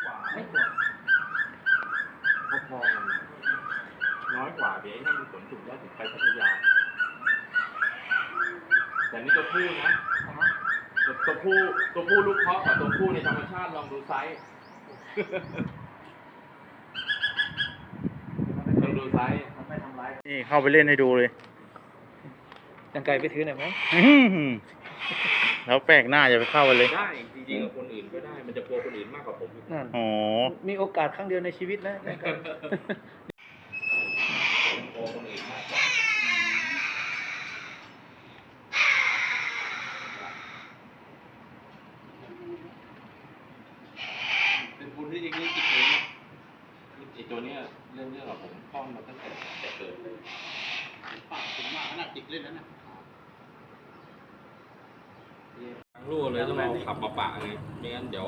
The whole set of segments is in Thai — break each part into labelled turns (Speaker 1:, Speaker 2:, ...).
Speaker 1: ไม่กว่าพอๆกันน้อยกว่าเดี๋ยวไอ้นั่นมันขนถุงได้ถึงไปพัทยาแต่นี่ตัวผู้นะตัวผู้ลูกเพาะกับตัวผู้ในธรรมชาติลองดูไซส์ลองดูไซส์ไม่ทำร้าย
Speaker 2: นี่เข้าไปเล่นให้ดูเลย
Speaker 3: ยังไกลไปถือหน่อยไหม
Speaker 2: แล้วแปลกหน้าอย่าไปเข้าไปเลย
Speaker 1: ได้จริงๆกับคนอื่นก็ได้มันจะกลัวคนอื่นมากกว่าผม
Speaker 3: นั่น
Speaker 2: อ๋อ
Speaker 3: มีโอกาสครั้งเดียวในชีวิตนะ
Speaker 1: กลัวคนอื่นมากกว่าเป็นบุญที่จริงๆจิตเลยเนี่ยไอ้ตัวเนี้ยเรื่องกับผมคล้องมาตั้งแต่เกิดเลยปากถึงมากขนาดจิกเล่นนั้นนะลูกเลยต้องเอาขับมาปะไงไม่งั้นเดี๋ยว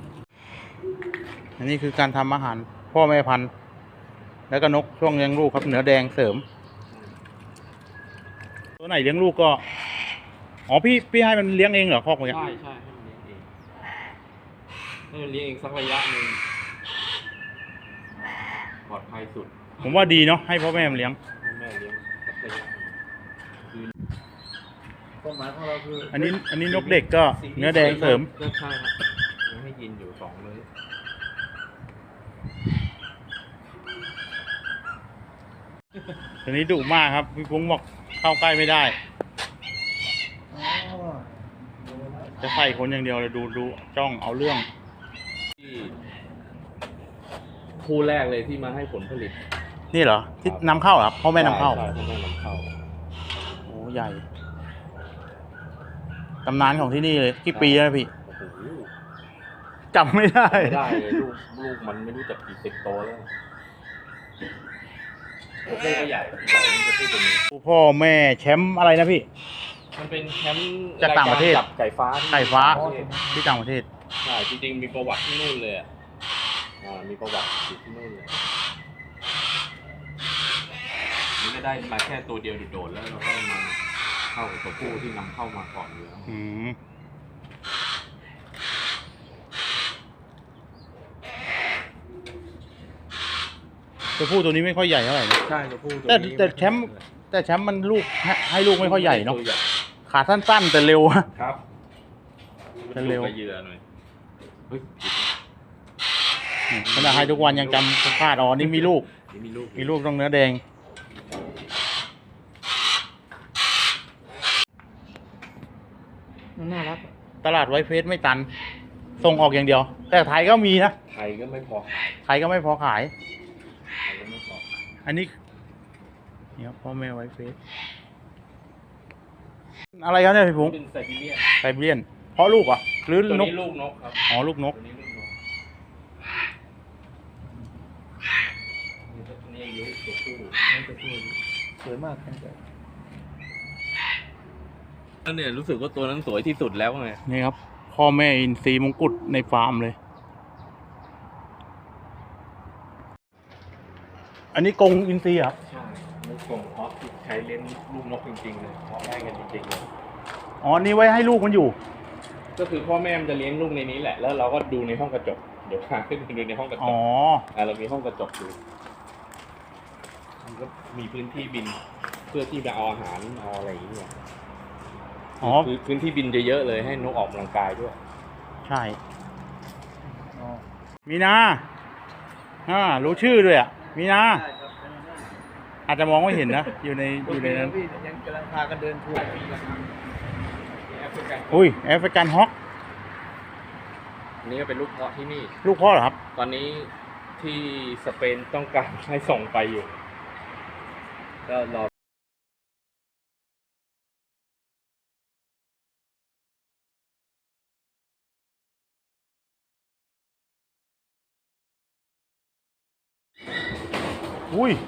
Speaker 2: อันนี้คือการทำอาหารพ่อแม่พันธุ์แล้วก็นกช่วงเลี้ยงลูกครับเหนือแดงเสริมตัวไหนเลี้ยงลูกก็อ๋อพี่ให้มันเลี้ยงเองเหรอคอกมัน
Speaker 1: ใช่ให้มันเลี้ยงเองสักระยะหนึ่งปลอดภัยสุด
Speaker 2: ผมว่าดีเนาะให้พ่อแม่มันเลี้ยง
Speaker 1: แม่เลี้ยงสักระยะ
Speaker 3: ความหมายของเราคือ
Speaker 2: อันนี้นกเด็กก็เนื้อแดงเสริม
Speaker 1: ก็ใช่ครับยังให้ยินอยู่2เลย
Speaker 2: ตัวนี้ดุมากครับพี่พุ้งบอกเข้าใกล้ไม่ได้จะใส่คนอย่างเดียวเลยดูจ้องเอาเรื่อง
Speaker 1: ที่คู่แรกเลยที่มาให้ผลผลิต
Speaker 2: นี่เหรอที่นำเข้าครับพ่อแม่นำเข้า
Speaker 1: ใช่พ่อแม่นำเข้า
Speaker 2: โอ้ใหญ่ตำนานของที่นี่เลยกี่ปีแล้วพี่จำไม่ได้
Speaker 1: เลยลูกมันไม่รู้จักกี่10 โตแล้วตัวผู้ก็ใหญ่จะพูดเป็น
Speaker 2: พ่อแม่แชมป์อะไรนะพี่
Speaker 1: มันเป็นแชมป์
Speaker 2: จากต่างประเทศ
Speaker 1: จับไก่ฟ้า
Speaker 2: ที่ต่างประเทศ
Speaker 1: ใช่จริงๆมีประวัติที่นู่นเลยมีประวัติอยู่ที่นู่นเลยนี่ก็ได้มาแค่ตัวเดียวโดดๆแล้วเราก็มาเข้ากับตัวผู้ที่นำเข้ามาก่อนอยู่แล้ว
Speaker 2: ตัวผู้ตัวนี้ไม่ค่อยใหญ่เท่าไหร่นะ
Speaker 1: ใช่ตัวผู้
Speaker 2: แต่แชมป์มันลูกให้ลูกไม่ค่อยใหญ่เนาะขาสั้นๆแต่เร็ว
Speaker 1: ครับ
Speaker 2: แต่เร็ว
Speaker 1: เหยื่อหน่อย
Speaker 2: ขณะให้ทุกวันยังจำพลาดอ๋อนี่มีลูกต้องเนื้อแดง
Speaker 3: น่ารัก
Speaker 2: ตลาดไวท์เฟสไม่ตันส่งออกอย่างเดียวแต่ไทยก็มีนะ
Speaker 1: ไทยก็ไม่พอ
Speaker 2: ขายอันนี้นี่ครับพ่อแม่ไวท์เฟสอะไรครับเนี่ยพี่พุง
Speaker 1: เป็นไซ
Speaker 2: บีเรียนเพราะลูกอ่ะหรือนก
Speaker 1: ลูกนกครับ
Speaker 2: อ๋อลูกนก
Speaker 1: นี่อายุตัวผู้
Speaker 3: สวยมาก
Speaker 1: นั่นเนี่ยรู้สึกว่าตัวนั้นสวยที่สุดแล้วไง
Speaker 2: นี่ครับพ่อแม่อินทรีมงกุฎในฟาร์มเลยอันนี้กรงอินทรีครับ
Speaker 1: ใช่ไม่กรงเพาะที่ใช้เลี้ยงลูกนกจริงๆเลยเพาะได้กันจริงๆเลย
Speaker 2: อ๋อนี่ไว้ให้ลูกมันอยู่
Speaker 1: ก็คือพ่อแม่มันจะเลี้ยงลูกในนี้แหละแล้วเราก็ดูในห้องกระจกเดี๋ยวพาขึ้นดูในห้องกระจกเรามีห้องกระจกอยู่มันก็มีพื้นที่บินเพื่อที่จะเอาอาหารเอาอะไรอย่างเงี้ยพื้นที่บินเยอะๆเลยให้นกออกกำลังกายด้วย
Speaker 2: ใช่มีนารู้ชื่อด้วยอ่ะมีนาอาจจะมองไม่เห็นนะอยู่ในนั้น
Speaker 3: ยังกำลังพากันเดินทัวร์
Speaker 2: อุ้ยแอฟริกันฮอก
Speaker 1: นี่ก็เป็นลูกเพาะที่นี่
Speaker 2: ลูกเพาะเหรอครับ
Speaker 1: ตอนนี้ที่สเปนต้องการให้ส่งไปอยู่ก็รอ
Speaker 2: อุ้ย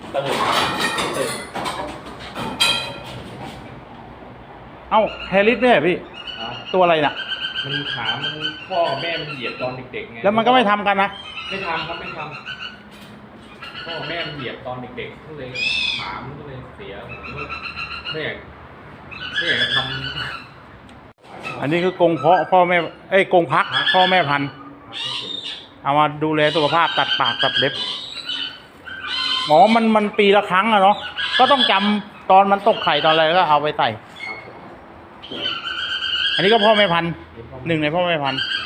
Speaker 2: เอ้าแฮร์ริสเนี่ยพี่ตัวอะไรน่ะ
Speaker 1: มันขามันพ่อกับแม่มันเหยียบตอนเด็กๆไง
Speaker 2: แล้วมันก็ไม่ทำกันนะ
Speaker 1: ไม่ทำพ่อกับแม่มันเหยียบตอนเด็กๆก็เลยขามันก็เลยเสียไม่อยากจะทำ
Speaker 2: อันนี้คือกรงเพาะพ่อแม่กรงพักพ่อแม่พันธุ์เอามาดูแลสุขภาพตัดปากตัดเล็บอ๋อมันปีละครั้งอะเนาะก็ต้องจำตอนมันตกไข่ตอนอะไรก็เอาไปใส่ อันนี้ก็พ่อแม่พันธุ์หนึ่งในพ่อแม่พันธุ์
Speaker 1: ค